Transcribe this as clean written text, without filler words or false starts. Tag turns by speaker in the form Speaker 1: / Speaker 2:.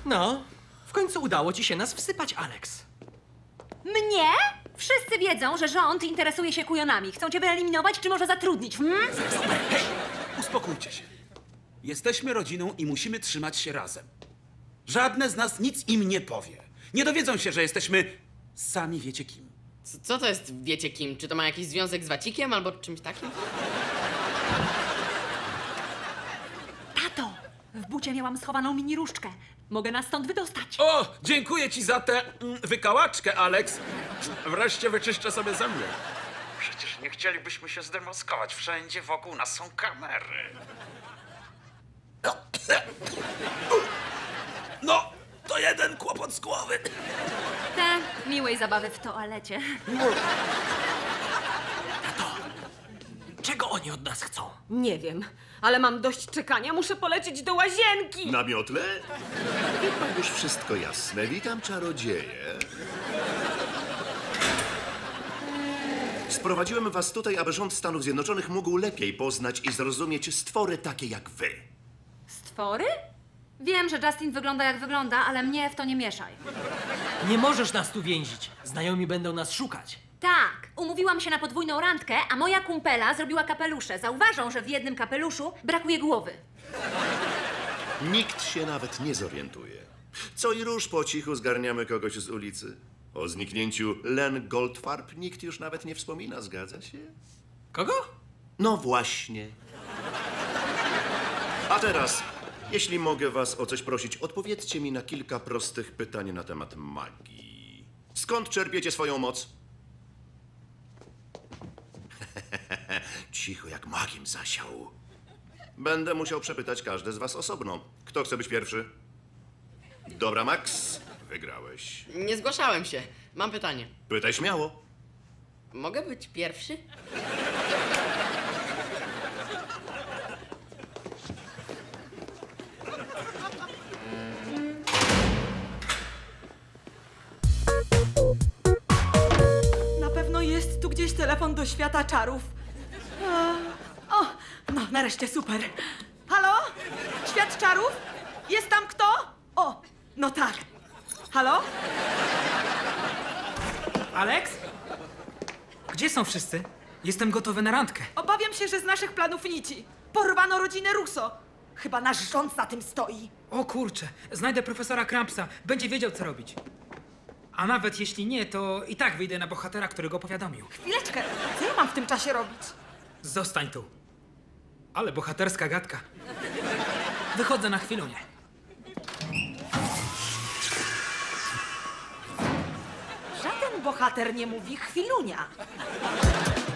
Speaker 1: No, w końcu udało ci się nas wsypać, Alex.
Speaker 2: Mnie? Wszyscy wiedzą, że rząd interesuje się kujonami. Chcą cię wyeliminować, czy może zatrudnić,
Speaker 3: Uspokójcie się. Jesteśmy rodziną i musimy trzymać się razem. Żadne z nas nic im nie powie. Nie dowiedzą się, że jesteśmy sami wiecie kim.
Speaker 4: Co to jest wiecie kim? Czy to ma jakiś związek z Wacikiem albo czymś takim?
Speaker 2: Tato, w bucie miałam schowaną mini różdżkę. Mogę nas stąd wydostać.
Speaker 3: O, dziękuję ci za tę wykałaczkę, Alex. Wreszcie wyczyszczę sobie zęby. Przecież nie chcielibyśmy się zdemoskować. Wszędzie wokół nas są kamery. No, to jeden kłopot z głowy.
Speaker 2: Te miłej zabawy w toalecie.
Speaker 1: Czego oni od nas chcą?
Speaker 5: Nie wiem, ale mam dość czekania. Muszę polecieć do łazienki.
Speaker 6: Na miotle? Chyba już wszystko jasne. Witam, czarodzieje. Sprowadziłem was tutaj, aby rząd Stanów Zjednoczonych mógł lepiej poznać i zrozumieć stwory takie jak wy.
Speaker 2: Stwory? Wiem, że Justin wygląda jak wygląda, ale mnie w to nie mieszaj.
Speaker 1: Nie możesz nas tu więzić. Znajomi będą nas szukać.
Speaker 2: Tak, umówiłam się na podwójną randkę, a moja kumpela zrobiła kapelusze. Zauważą, że w jednym kapeluszu brakuje głowy.
Speaker 6: Nikt się nawet nie zorientuje. Co i róż po cichu zgarniamy kogoś z ulicy. O zniknięciu Len Goldfarb nikt już nawet nie wspomina, zgadza się?
Speaker 1: Kogo?
Speaker 6: No właśnie. A teraz, jeśli mogę was o coś prosić, odpowiedzcie mi na kilka prostych pytań na temat magii. Skąd czerpiecie swoją moc? Cicho, jak magiem zasiał. Będę musiał przepytać każde z was osobno. Kto chce być pierwszy? Dobra, Max, wygrałeś.
Speaker 4: Nie zgłaszałem się. Mam pytanie.
Speaker 6: Pytaj śmiało.
Speaker 4: Mogę być pierwszy?
Speaker 5: Na pewno jest tu gdzieś telefon do świata czarów. O, no nareszcie super. Halo? Świat czarów? Jest tam kto? O, no tak. Halo?
Speaker 7: Alex? Gdzie są wszyscy? Jestem gotowy na randkę.
Speaker 5: Obawiam się, że z naszych planów nici. Porwano rodzinę Russo. Chyba nasz rząd za tym stoi.
Speaker 7: O kurczę, znajdę profesora Crumpsa. Będzie wiedział, co robić. A nawet jeśli nie, to i tak wyjdę na bohatera, który go powiadomił.
Speaker 5: Chwileczkę, co ja mam w tym czasie robić?
Speaker 7: Zostań tu. Ale bohaterska gadka. Wychodzę na chwilunię.
Speaker 5: Żaden bohater nie mówi chwilunia.